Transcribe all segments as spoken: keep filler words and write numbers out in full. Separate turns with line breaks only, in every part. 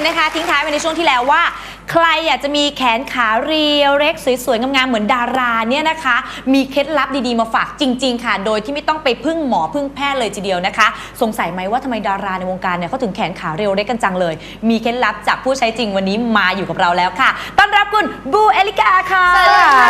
นะคะทิ้งท้ายไปในช่วงที่แล้วว่าใครอยากจะมีแขนขาเรียวเล็กสวยๆงามๆเหมือนดาราเนี่ยนะคะมีเคล็ดลับดีๆมาฝากจริงๆค่ะโดยที่ไม่ต้องไปพึ่งหมอพึ่งแพทย์เลยทีเดียวนะคะสงสัยไหมว่าทำไมดาราในวงการเนี่ยเขาถึงแขนขาเรียวเล็กกันจังเลยมีเคล็ดลับจากผู้ใช้จริงวันนี้มาอยู่กับเราแล้วค่ะต้อนรับคุณบูเอลิกาค่ะสวัสดีค่ะ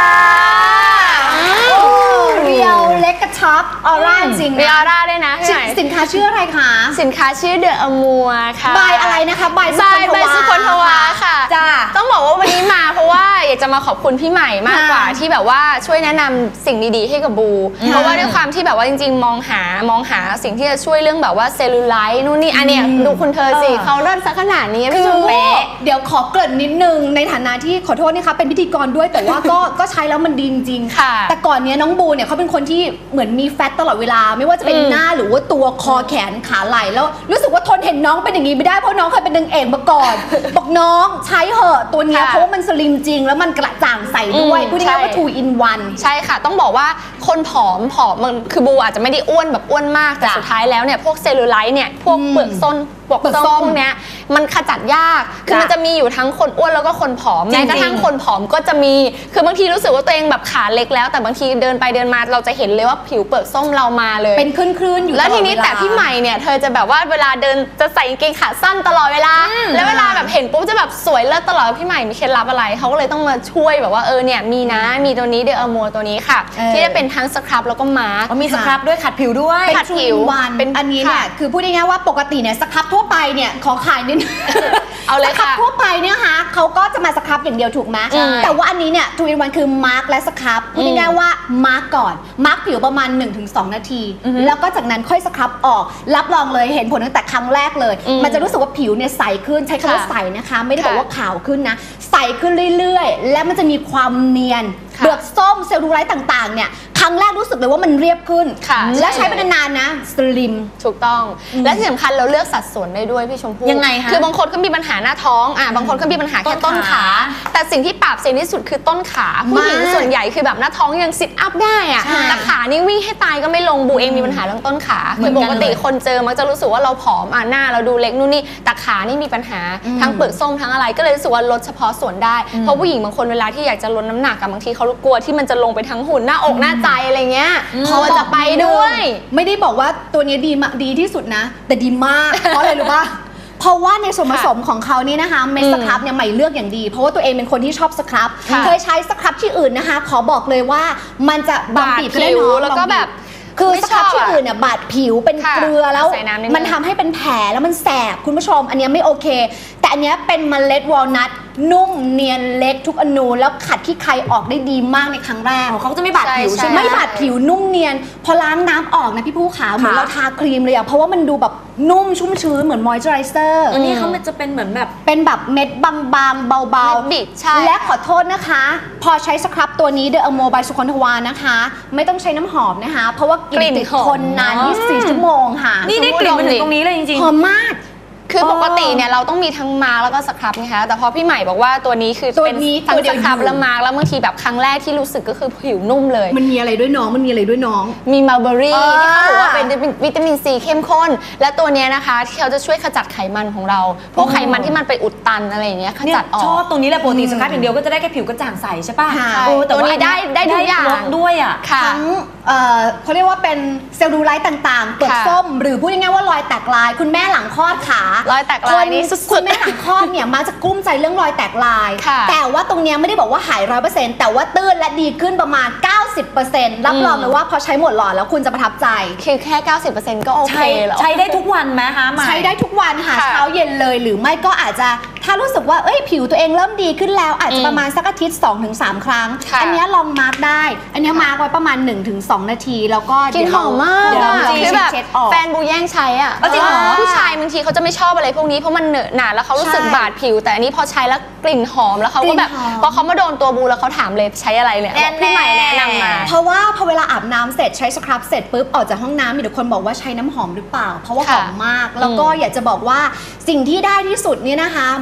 เรียวเล็กกระชับออร่าจริงนะ
มีออร่าด้วยนะ
สินค้าชื่ออะไรคะ
สินค้าชื่อเดอะอมัวค่ะ
ใบอะไรนะคะใบสุ
คนทวาค่ะ
จ้า
ต้องบอกว่าวันนี้มาเพราะว่าอยากจะมาขอบคุณพี่ใหม่มากกว่าที่แบบว่าช่วยแนะนำสิ่งดีๆให้กับบูเพราะว่าด้วยความที่แบบว่าจริงๆมองหามองหาสิ่งที่จะช่วยเรื่องแบบว่าเซลลูไลท์นู่นนี่อันเนี้ยดูคุณเธอสิเขาเลิศซะขนาดนี้พี่ชมเป๊ะ
เดี๋ยวขอเกริ่นนิดนึงในฐานะที่ขอโทษนะคะเป็นพิธีกรด้วยแต่ว่าก็ก็ใช้แล้วมันดีจริงๆแต่ก่อนนี้น้องบูเนี่ยเขาเป็นคนที่เหมือนมีแฟตตลอดเวลาไม่ว่าจะเป็นหน้าหรือว่าตัวคอแขนขาไหล่แล้วรู้สึกว่าทนเห็นน้องเป็นอย่างนี้ไม่ได้เพราะน้องเคยเป็นนางเอกมาก่อนบอกน้องใช้เหอะตัวนี้เพราะว่ามันสลิมจริงแล้วมันกระจ่างใสด้วยพูดง่ายๆว่า two in one
ใช่ค่ะต้องบอกว่าคนผอมผอมมันคือบูอาจจะไม่ได้อ้วนแบบอ้วนมากแต่สุดท้ายแล้วเนี่ยพวกเซลลูไลท์เนี่ยพวกเปลือกส้นปกส้มพวกเนี้ยมันขจัดยากคือมันจะมีอยู่ทั้งคนอ้วนแล้วก็คนผอมแม้กระทั่งคนผอมก็จะมีคือบางทีรู้สึกว่าตัวเองแบบขาเล็กแล้วแต่บางทีเดินไปเดินมาเราจะเห็นเลยว่าผิวเปลือกส้มเรามาเลย
เป็นคลื่นๆอยู่
แล้วทีนี้แต่พี่ใหม่เนี่ยเธอจะแบบว่าเวลาเดินจะใส่กางเกงขาสั้นตลอดเวลาแล้วเวลาแบบเห็นปุ๊บจะแบบสวยเลิศตลอดพี่ใหม่มีเคล็ดลับอะไรเขาก็เลยต้องมาช่วยแบบว่าเออเนี่ยมีนะมีตัวนี้เดอะอมัวตัวนี้ค่ะที่จะเป็นทั้งสครับแล้วก็มาร์ค
มีสครับด้วยขัดผิวด้วย
ขัดผิวเป็นอันนี้เนี่ยคือพูดง่ายๆว่าปกติเนี่ยสครับทั่วไปเนี่ยของขายนิด
เอาเลยค่ะ
สครับทั่วไปเนี่ยค่ะเขาก็จะมาสครับอย่างเดียวถูกไหมแต่ว่าอันนี้เนี่ยทูอินวันคือมาร์คและสครับพูดง่ายๆว่ามาร์คก่อนมาร์คผิวประมาณ หนึ่งถึงสอง นาทีแล้วก็จากนั้นค่อยสครับออกรับรองเลยเห็นผลตั้งแต่ครั้งแรกเลยมันจะรู้สึกว่าผิวเนี่ยใสขึ้นใช้คำว่าใสนะคะไม่ได้บอกว่าขาวขึ้นนะใสขึ้นเรื่อยๆและมันจะมีความเนียนเปลือกส้มเซลลูไลท์ต่างๆเนี่ยครั้งแรกรู้สึกเลยว่ามันเรียบขึ้นและใช้ไปนานๆนะสลิม
ถูกต้องและที่สำคัญเราเลือกสัดส่วนได้ด้วยพี่ชมพู่
ยังไงคะ
คือบางคนก็มีปัญหาหน้าท้องอ่ะบางคนก็มีปัญหาแค่ต้นขาแต่สิ่งที่ปราบเซียนที่สุดคือต้นขาผู้หญิงส่วนใหญ่คือแบบหน้าท้องยังซิทอัพได้อ่ะแต่ขานี่วิ่งให้ตายก็ไม่ลงบูเองมีปัญหาเรื่องต้นขาคือปกติคนเจอมักจะรู้สึกว่าเราผอมอ่ะหน้าเราดูเล็กนู่นนี่แต่ขานี่มีปัญหาทั้งเปลือกส้มทั้งอะไรก็เลยรู้สึกว่าลดเฉพาะส่วนได้เพราะผู้หญิงบางคนเวลาที่อยากจะลดน้ำหนักบางทีเขากลัวที่มันจะลงไปทั้งหุ่นหน้าอกหน้าใจอะไรเงี้ยพอจะไปด้วย
ไม่ได้บอกว่าตัวนี้ดีดีที่สุดนะแต่ดีมากเพราะอะไรรู้ป่ะเพราะว่าในส่วนผสมของเขานี่นะคะเม็ดสครับเนี่ยใหม่เลือกอย่างดีเพราะว่าตัวเองเป็นคนที่ชอบสครับเคยใช้สครับที่อื่นนะคะขอบอกเลยว่ามันจะบางบีบ
ผิวแล้วก็แบบ
คือสครับที่อื่นเนี่ยบาดผิวเป็นเกลือแล้วมันทำให้เป็นแผลแล้วมันแสบคุณผู้ชมอันนี้ไม่โอเคแต่อันนี้เป็นเมล็ดวอลนัทนุ่มเนียนเล็กทุกอนูแล้วขัดขี้ใครออกได้ดีมากในครั้งแรก
เขาจะไม่บาดผิวใช่ไหม
ไม่บาดผิวนุ่มเนียนพอล้างน้ำออกนะพี่ผู้ขาเหมือนเราทาครีมเลยอะเพราะว่ามันดูแบบนุ่มชุ่มชื้นเหมือนมอยเจอไรเซอร์
อันนี้เขามันจะเป็นเหมือนแบบ
เป็นแบบเม็ดบางๆเบา
ๆบิดใช่
และขอโทษนะคะพอใช้สครับตัวนี้เดอะอโมบายสุคนทวานะคะไม่ต้องใช้น้ำหอมนะคะเพราะว่ากลิ่นติดทนนานยี่สิบสี่ชั่วโมงค่ะ
นี่ได้กลิ่นมาถึงตรงนี้เลยจริง
ๆหอมมาก
คือปกติเนี่ยเราต้องมีทั้งมาร์กแล้วก็สครับนะคะแต่พอพี่ใหม่บอกว่าตัวนี้คือเป็นทั้งสครับและมาร์กแล้วบางทีแบบครั้งแรกที่รู้สึกก็คือผิวนุ่มเลย
มันมีอะไรด้วยน้องมันมีอะไรด้วยน้อง
มีมัลเบอรี่ที่เขาบอกว่าเป็นวิตามินซีเข้มข้นและตัวนี้นะคะที่เขาจะช่วยขจัดไขมันของเราพวกไขมันที่มันไปอุดตันอะไรอย่างเงี้ยขจัดออก
ชอบตรงนี้แหละปกติสครับอย่างเดียวก็จะได้แค่ผิวกระจ่างใสใช่ป่ะ
ตัวนี้ได้ได้ทุกอย่าง
ด้วยอ่ะ
ทั้งเขาเรียกว่าเป็นเซลลูไลท์ต่างๆเปลือกส้มหรือพูดง่ายๆว่ารอยแตกลายคุณแม่หลังคลอดขาร
อยแตกลายนี่
คุณแม่หลังคลอดเนี่ยมักจะกลุ้มใจเรื่องรอยแตกลายแต่ว่าตรงนี้ไม่ได้บอกว่าหาย ร้อยเปอร์เซ็นต์ แต่ว่าตื้นและดีขึ้นประมาณ เก้าสิบเปอร์เซ็นต์ รับรองเลยว่าพอใช้หมดหลอดแล้วคุณจะประทับใจ
คือแค่ เก้าสิบเปอร์เซ็นต์ ก็โอเคแล้ว
ใช้ได้ทุกวันไหมคะ
ใช้ได้ทุกวันค่ะเช้าเย็นเลยหรือไม่ก็อาจจะถ้ารู้สึกว่าเอ้ยผิวตัวเองเริ่มดีขึ้นแล้วอาจจะประมาณสักอาทิตย์ สองถึงสาม ครั้งอันนี้ลองมาร์กได้อันนี้มาร์กไว้ประมาณ หนึ่งถึงสอง นาทีแล้วก็
กลิ่นหอมมากคือแบบแฟนบูแย่งใช้อ่ะผู้ชายบางทีเขาจะไม่ชอบอะไรพวกนี้เพราะมันเหนอะหนาแล้วเขารู้สึกบาดผิวแต่อันนี้พอใช้แล้วกลิ่นหอมแล้วเขาก็แบบพอเขามาโดนตัวบูแล้วเขาถามเลยใช้อะไรเนี่ยพี่ใหม่แนะนำมา
เพราะว่าพอเวลาอาบน้ำเสร็จใช้สครับเสร็จปุ๊บออกจากห้องน้ำมีแต่คนบอกว่าใช้น้ำหอมหรือเปล่าเพราะว่าหอมมากแล้วก็อยากจะบอกว่าสิ่งที่ได้ที่สุดเนี่ยนะคะ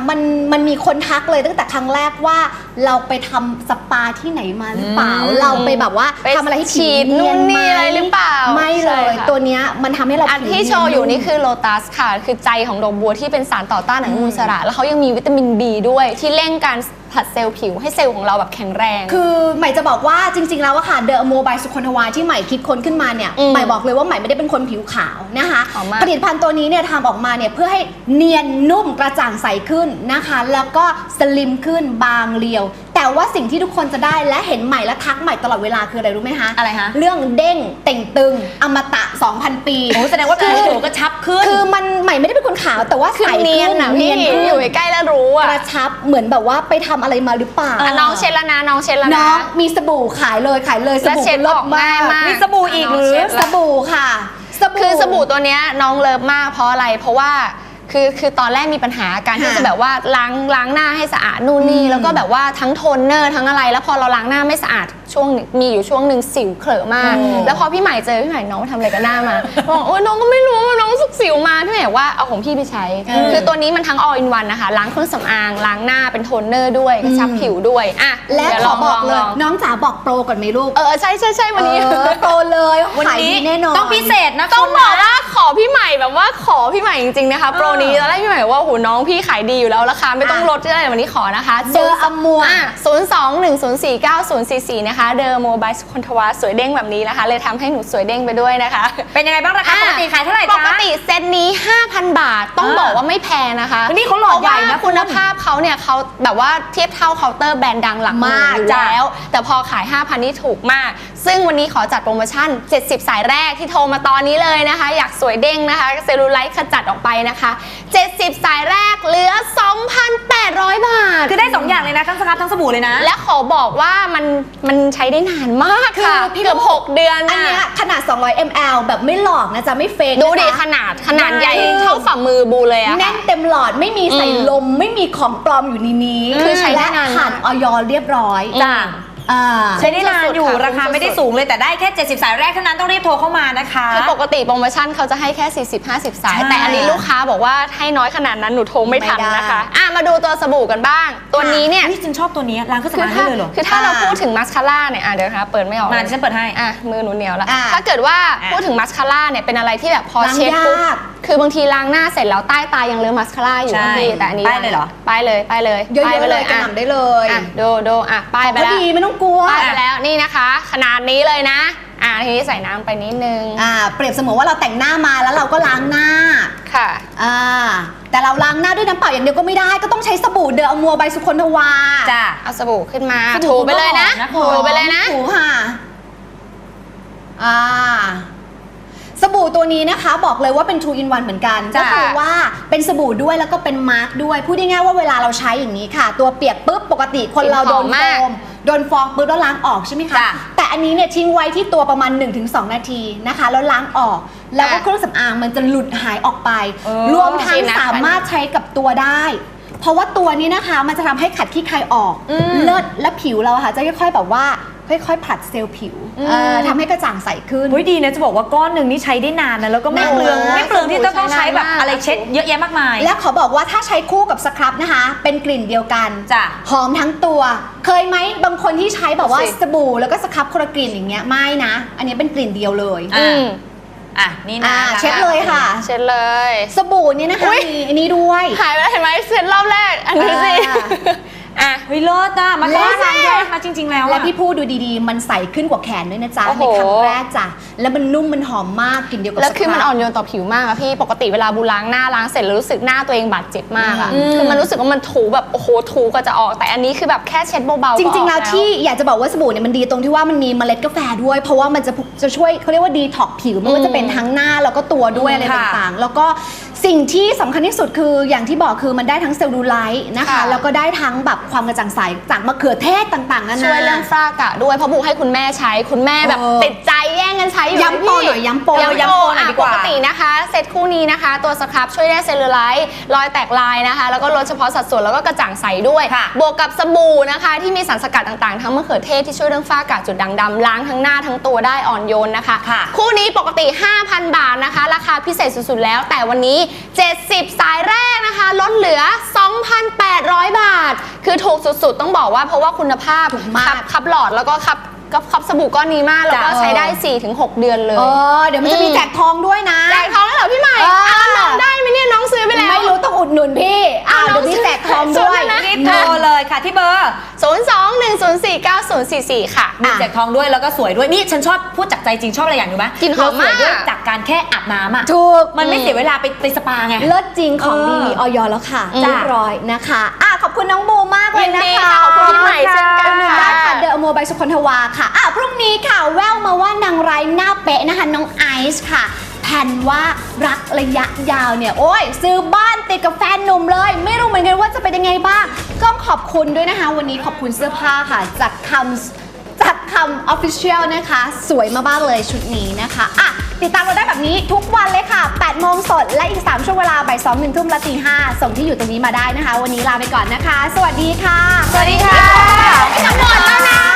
มันมันมีคนทักเลยตั้งแต่ครั้งแรกว่าเราไปทำสปาที่ไหนมาหรือเปล่า
อืม
เราไปแบบว่า
ไป
ทำอะไรให้ผิว
ฉีด
เนีย
นู่นนี่อะไรหรือเปล่า
ไม่เลย
ใช่ค่ะ
ตัวเนี้ยมันทำให้เรา
อัน
ผิว
ที่โชว์อยู่นี่คือโลตัสค่ะ คือใจของดอกบัวที่เป็นสารต่อต้านอนุมูลอิสระ แล้วเขายังมีวิตามิน บี ด้วยที่เร่งการผลัดเซลล์ผิวให้เซลล์ของเราแบบแข็งแรง
คือใหม่จะบอกว่าจริงๆแล้วอะค่ะเดอะโมบายสุคนทวาที่ใหม่คิดค้นขึ้นมาเนี่ย
อืม
ใหม่บอกเลยว่าใหม่ไม่ได้เป็นคนผิวขาวนะคะ
หอมมาก
ผลิตภัณฑ์ตัวนี้เนี่ยทำออกมาเนี่ยเพื่อให้เนียนนุ่มกระจ่างใสขึ้นนะคะ แล้วก็สลิมขึ้นบางเรียว แต่ว่าสิ่งที่ทุกคนจะได้และเห็นใหม่และทักใหม่ตลอดเวลาคืออะไรรู้ไหมคะ
อะไรคะ
เรื่องเด้งเต่งตึงอมตะ สองพัน ปี
โอ้แสดงว่าผิวหนูก็ชับขึ้น
คือมันใหม่ไม่ได้เป็นคนขาวแต่ว่า
คือ
ใส
เนียน
ขึ้น
อะพี่
เนียนขึ้น
อยู่ใกล้ๆแล้วรู้
ก
อะ
ระชับเหมือนแบบว่าไปทำอะไรมาหรือเปล่า
เอ
อ่ะน้องเช็ดแล้วนะน้องเช็ดแล้ว
น้
นะ
องมีสบู่ขายเลยขายเลยส
และ
บู่
เช็ด
ล
อ
ด
อกง่ายมาก
มีสบู่อีกหรือ
น้งเช็ด
ส
แล้ว
บู่ค่ะสบู่
คือสบู่ตัวเนี้ยน้องเลิฟมากเพราะอะไร เพราะว่าคือคือตอนแรกมีปัญหาการที่
ค่ะ
จะแบบว่าล้างล้างหน้าให้สะอาดนู่นนี่
อืม
แล้วก็แบบว่าทั้งโทนเนอร์ทั้งอะไร แล้วพอเราล้างหน้าไม่สะอาดช่วงมีอยู่ช่วงหนึ่งสิวเขลอะมาก
โอ้
แล้วพอพี่ใหม่เจอพี่ใหม่น้องทำอะไรกับหน้ามาบอกโอ๊ยน้องก็ไม่รู้น้องรู้สึกสิวมาพี่ใหม่บอกว่าเอาของพี่ไปใช้ คือตัวนี้มันทั้ง all in one นะคะล้างเครื่องสำอางล้างหน้าเป็นโทนเนอร์ด้วยกระชับผิวด้วยอ่ะ
และ
เดี๋ยว
ข
ล
อ
อง
บ
ล
อก
อง
เล
ล
ย
อง
น้องจ๋าบอกโปรก่อนไหมลูก
เออใช่ใช่ใช่วันนี้
เออโปรเลย
วัน
ขาย
นี้
ดีแน่นอน
ต้องพิเศษนะ
ต้อง
คุณ
บอก
นะ
ว่าขอพี่ใหม่แบบว่าขอพี่ใหม่จริงๆนะคะโปรนี้ตอนแรกพี่ใหม่ว่าโหน้องพี่ขายดีอยู่แล้วราคาไม่ต้องลดก็ได้วันนี้ขอนะคะ
เดออัมมัว
ศูนย์สองหนึ่งศูนย์สี่เก้าศูนย์สี่สี่นะคะเดอโมบายสุคนทวาสวยเด้งแบบนี้นะคะ เลยทำให้หนูสวยเด้งไปด้วยนะคะ
เป็นยังไงบ้างราคาปกติขายเท่าไหร่
ป
จ๊ะ
กติเซตนี้ ห้าพัน บาท ต้อง
อ่า
บอกว่าไม่แพงนะคะ
นี่เขาหลอดใหญ่นะ
เพราว่าคุณภาพเขาเนี่ยเขาแบบว่าเทียบเท่าเคาน์เตอร์แบรนด์ดังหลักหมื่น
มาก
อยู่
จ้ะ
แล้ว แต่พอขาย ห้าพัน นี่ถูกมาก ซึ่งวันนี้ขอจัดโปรโมชั่น เจ็ดสิบ สายแรกที่โทรมาตอนนี้เลยนะคะ อยากสวยเด้งนะคะ เซลลูไลท์ขจัดออกไปนะคะ เจ็ดสิบ สายแรกเหลือ สองพันแปดร้อย บาท
คือได้สองอย่างเลยนะทั้งสครับทั้งสบู่เลยนะ
และขอบอกว่ามันมันใช้ได้นานมากค่ะ
คือพี่
เกือบ
ลูก
หกเดือน
อัน
น่ะ
เนี้ยขนาด สองร้อยมิลลิลิตร แบบไม่หลอกนะจ๊ะไม่เฟก
ดูดิ
นะคะ
ขนาดขนาดใหญ่
คือ
เท่าฝ่ามือบูเลยอะ
แน่
ค่ะ
นเต็มหลอดไม่มีใส่
อืม
ลมไม่มีของปลอมอยู่ในนี้
คือใช้ได้
และ
นานมาก
ผ่านออยเรียบร้อย
จ้ะ
อ่า
ใช้ได้นานอยู่
สุดๆค่ะ
ราคาไม่ได้สูงเลยแต่ได้แค่เจ็ดสิบสายแรกเท่านั้นต้องรีบโทรเข้ามานะคะ
คือปกติโปรโมชั่นเขาจะให้แค่ สี่สิบ ห้าสิบ สาย
ใช่
แต่อันนี้ลูกค้าบอกว่าให้น้อยขนาดนั้นหนูโทรไม่ทัน
ไม่ได้
นะคะอ่ะมาดูตัวสบู่กันบ้าง ตัวนี้เนี่ย
นี่ฉันชอบตัวนี้ล้างเครื่อง
คือ
สำอาง
ถ้า
ได้เลยเหรอ
คือถ้าเรา
อ่า
พูดถึงมัสคาร่าเนี่ยอ่ะเดี๋ยวนะคะเปิดไม่ออก
มาดิฉันเปิดให้
อ่ะมือหนูเหนียวแล้ว
อ่ะ
ถ้าเกิดว่า
อ่ะ
พูดถึงมัสคาร่าเนี่ยเป็นอะไรที่แบบพอ
ล้าง
เช็ดปุ๊บ
ยาก
คือบางทีล้างหน้าเสร็จแล้วใต้ตายังเลอะมัสคาร่าอยู่
ใช่
บางทีแต่อันนี้
ป้ายเลยเหรอ
ป้ายเลยป้ายเลย
เยอะ
ป้ายไป
ๆเลยกระ
อ่ะ
หน่ำได้เลย
อ่ะดูดูอ่ะป้ายไป
ก็
แล้ว
ดีไม่ต้องกลัว
ป้ายไปแล้วนี่นะคะ ขนาดนี้เลยนะ อ่ะทีนี้ใส่น้ำไปนิดนึง
อ่าเปรียบเสมือนว่าเราแต่งหน้ามาแล้วเราก็ล้างหน้า
ค่ะ
อ่าแต่เราล้างหน้าด้วยน้ำเปล่าอย่างเดียวก็ไม่ได้ก็ต้องใช้สบู่เดอะอมัวใบสุคนทวา
จ้ะ
เอาสบู่ขึ้นมา
สบู่
ถูไปเลยนะ
ก็หอมนะ
ถูไปเลยนะ
ถูค่ะอ่าสบู่ตัวนี้นะคะบอกเลยว่าเป็น ทู อิน วัน เหมือนกัน
จ้ะ
ก็คือว่าเป็นสบู่ด้วยแล้วก็เป็นมาร์กด้วยพูดง่ายๆว่าเวลาเราใช้อย่างนี้ค่ะ ตัวเปียกปุ๊บปกติคนเราโดนโฟมโดนฟองปุ๊บแล้วล้างออกใช่ไหมคะ
จ้ะ
แต่อันนี้เนี่ยทิ้งไว้ที่ตัวประมาณ หนึ่งถึงสอง นาทีนะคะแล้วล้างออก แล้วก็เครื่องสำอางมันจะหลุดหายออกไป
เออ
รวมทั้งสามารถใช้กับตัวได้ เพราะว่าตัวนี้นะคะมันจะทำให้ขัดขี้ใครออก
อืม
เลิศและผิวเราอะค่ะจะค่อยๆแบบว่าค่อยๆผลัดเซลล์ผิว
อืม
เอ่อทำให้กระจ่างใสขึ้น
เฮ้ยดีนะจะบอกว่าก้อนหนึ่งนี่ใช้ได้นานนะแล้วก็ไม่
นาน
เปลือง
มาก
ไม่เปลืองที่จะต้องใช้แบบอะไรเช็ดเยอะแยะมากมาย
และขอบอกว่าถ้าใช้คู่กับสครับนะคะ เป็นกลิ่นเดียวกัน
จ้ะ
หอมทั้งตัว เคยไหมบางคนที่ใช้แบบว่า
สิ
สบู่แล้วก็สครับคนละกลิ่นอย่างเงี้ยไม่นะ อันนี้เป็นกลิ่นเดียวเลย
อ่ะ
อืม
อ่ะนี่นะ
อ่าเช็ดเลยค่ะ
เช็ดเลย
สบู่เนี่ยนะคะ
อุ๊ย
มีอันนี้ด้วย
หายไปแล้วเห็นไหมเช็ดรอบแรก อันนี้สิ
อ่า
อ่ะ
เฮ้ยเลิศอ่ะมา
และ
ล้างยากมาจริง ๆ แล้ว
และ
อ่ะ
พี่พูดดูดีๆ มันใสขึ้นกว่าแขนด้วยนะจ๊ะ
โอ้โห
ในครั้งแรกจ้ะแล้วมันนุ่มมันหอมมากกลิ่นเดียวกับ
แล้วคือมัน
สรับ
อ่อนโยนต่อผิวมากอะพี่ ปกติเวลาบูล้างหน้าล้างเสร็จแล้วรู้สึกหน้าตัวเองบาดเจ็บมากอะ
อืม
คือมันรู้สึกว่ามันถูแบบโอ้โหถูก็จะออก แต่อันนี้คือแบบแค่เช็ดเบาๆ
จริง
ก็ออก
ๆ แล้วที่อยากจะบอกว่าสบู่เนี่ยมันดีตรงที่ว่ามันมีเมล็ดกาแฟด้วย เพราะว่ามันจะจะช่วยเขาเรียกว่าดีท็อกผิวไม่ว่าจะเป็นทั้งหน้าแล้วก็ตัวด้วยอะไร
ค่ะ
ต่างๆ แล้วก็สิ่งที่สำคัญที่สุดคืออย่างที่บอกคือมันได้ทั้งเซลลูไลท์นะคะ แล้วก็ได้ทั้งแบบความกระจ่างใสจากมะเขือเทศต่างๆนานา
ช่วยเรื่องฝ้ากระด้วยเพราะบูให้คุณแม่ใช้คุณแม่แบบ
เออ
ติดใจแย่งกันใช้อยู่
ย้ำโปรหน่อยย้ำโปร
ย้ำ
ย้ำ
โป
โป
ร
รหน่อย
อ่ะ
ดีก
ป
ว่า
กตินะคะเซตคู่นี้นะคะ ตัวสครับช่วยได้เซลลูไลท์รอยแตกลายนะคะ แล้วก็ลดเฉพาะสัดส่วนแล้วก็กระจ่างใสด้วย
ค่ะ
บวกกับสบู่นะคะที่มีสารสกัดต่างๆทั้งมะเขือเทศที่ช่วยเรื่องฝ้ากระจุดด่างดำล้างทั้งหน้าทั้งตัวได้อ่อนโยนนะคะ
ค่ะ
คู่นี้ปกติ ห้าพัน บาทนะคะ ราคาพิเศษสุดๆแล้ว แต่วันนี้ เจ็ดสิบ สายแรกนะคะ ลดเหลือ สองพันแปดร้อย บาท คือถูกสุดๆ ต้องบอกว่าเพราะว่าคุณภาพ
ถูกมาก
คับคับหลอดแล้วก็คับกับคับสบู่ก้อนนี้มาก แล้วก็
จ้ะ
ใช้ได้ สี่ถึงหก เดือนเลย
เออเดี๋ยวมันจะมี
อืม
แจกทองด้วยนะ
แจกทองแล้วเหรอพี่ใหม่
เออ
อ้าวน้องได้ไหมเนี่ยน้องซื้อไปแล้ว
ไม่รู้ต้องอุดหนุนพี่อ่า
เอาน้
เดี๋
อง
ยวมีแจกทอง
ซื้อ
ด้วย
นะ
รีบโทรเลยค่ะที่เบอร์
ศูนย์ สอง หนึ่ง ศูนย์ สี่ เก้า ศูนย์ สี่ สี่ ค่ะ
มีแจกทองด้วยแล้วก็สวยด้วยนี่ฉันชอบพูดจากใจจริงชอบอะไรอย่างรู้ไหม
กลิ่นหอมมาก
เรสวยด้วยจากการแค่อาบน้ำอ่ะ
ถูก
มันไม่เสียเวลาไปไปสปาไง
เลิศจริงของ
เออ
ดีมีออยแล้วค่ะ
อืม
เรียบร้อยนะคะอ่ะขอบคุณน้องบูมากเลยนะ
ยินดี
คะ
ค่ะขอบคุณพี่ใหม่เช่นกัน
อุดหนุน
ค่ะ
ได้ค่ะเดอะโมบายสุคนทวาค่ะอ่ะพรุ่งนี้ค่ะแววมาว่านางร้ายหน้าเป๊ะนะคะน้องไอซ์ค่ะแผนว่ารักระยะยาวเนี่ยโอ้ยซื้อบ้านติดกับแฟนหนุ่มเลย ไม่รู้เหมือนกันว่าจะเป็นยังไงบ้างต้องขอบคุณด้วยนะคะ วันนี้ขอบคุณเสื้อผ้าค่ะจากคำจากคำ Official นะคะ สวยมากๆเลยชุดนี้นะคะอ่ะติดตามเราได้แบบนี้ทุกวันเลยค่ะแปดโมงสดและอีกสามช่วงเวลาบ่ายสองหนึ่งทุ่มและตีห้าส่งที่อยู่ตรงนี้มาได้นะคะ วันนี้ลาไปก่อนนะคะ สวัสดีค่ะ
สวัสดีค่ะจะหมดแล้วนะ